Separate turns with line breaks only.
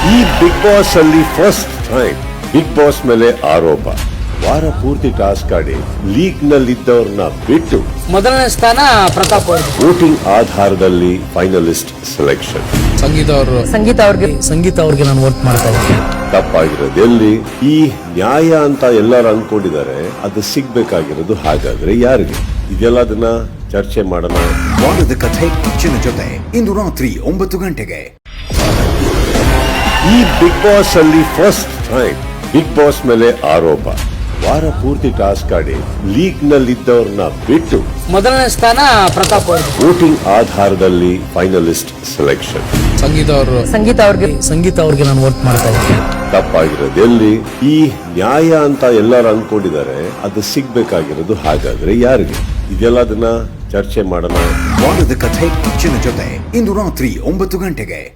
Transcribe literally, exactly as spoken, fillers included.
ಈ Bigg Boss ಅಲ್ಲಿ first time Bigg Boss ಮೇಲೆ ಆರೋಪ. ವಾರ ಪೂರ್ತಿ ಟಾಸ್ಕ್ ಆಡಿ ಲೀಗ್ ನಲ್ಲಿದ್ದವ್ರನ್ನ ಬಿಟ್ಟು
ಮೊದಲನೇ ಸ್ಥಾನ ಪ್ರತಾಪ್ ಅವರು.
ವೋಟಿಂಗ್ ಆಧಾರದಲ್ಲಿ ಫೈನಲಿಸ್ಟ್ ಸೆಲೆಕ್ಷನ್.
ಸಂಗೀತ ಅವರು
ಸಂಗೀತ ಅವ್ರಿಗೆ
ಸಂಗೀತ ಅವ್ರಿಗೆ ನಾನು ವೋಟ್ ಮಾಡ್ತಾ ಇದ್ದೀನಿ.
ತಪ್ಪಾಗಿರೋದು ಎಲ್ಲಿ? ಈ ನ್ಯಾಯ ಅಂತ ಎಲ್ಲರೂ ಅನ್ಕೊಂಡಿದ್ದಾರೆ, ಅದು ಸಿಗ್ಬೇಕಾಗಿರೋದು ಹಾಗಾದ್ರೆ ಯಾರಿಗೆ? ಇದೆಲ್ಲ ಅದನ್ನ ಚರ್ಚೆ ಮಾಡೋಣ.
ವಾರದ ಕಥೆ ಕಿಚ್ಚನ ಜೊತೆ ಇಂದು ರಾತ್ರಿ ಒಂಬತ್ತು ಗಂಟೆಗೆ.
ಈ ಬಿಗ್ ಬಾಸ್ ಅಲ್ಲಿ ಫಸ್ಟ್ ಟೈಮ್ ಬಿಗ್ ಬಾಸ್ ಮೇಲೆ ಆರೋಪ. ವಾರ ಪೂರ್ತಿ ಟಾಸ್ಕ್ ಆಡಿ ಲೀಗ್ ನಲ್ಲಿದ್ದವ್ರನ್ನ ಬಿಟ್ಟು
ಮೊದಲನೇ ಸ್ಥಾನ ಪ್ರತಾಪ್ ಅವರು.
ವೋಟಿಂಗ್ ಆಧಾರದಲ್ಲಿ ಫೈನಲಿಸ್ಟ್ ಸೆಲೆಕ್ಷನ್.
ಸಂಗೀತ ಅವರು
ಸಂಗೀತ ಅವ್ರಿಗೆ
ಸಂಗೀತ ಅವ್ರಿಗೆ ನಾನು ವೋಟ್ ಮಾಡ್ತಾ ಇದ್ದೀನಿ.
ತಪ್ಪಾಗಿರೋದು ಎಲ್ಲಿ? ಈ ನ್ಯಾಯ ಅಂತ ಎಲ್ಲರೂ ಅನ್ಕೊಂಡಿದ್ದಾರೆ, ಅದು ಸಿಗ್ಬೇಕಾಗಿರೋದು ಹಾಗಾದ್ರೆ ಯಾರಿಗೆ? ಇದೆಲ್ಲ ಅದನ್ನ ಚರ್ಚೆ ಮಾಡೋಣ.
ವಾರದ ಕಥೆ ಕಿಚ್ಚನ ಜೊತೆ ಇಂದು ರಾತ್ರಿ ಒಂಬತ್ತು ಗಂಟೆಗೆ.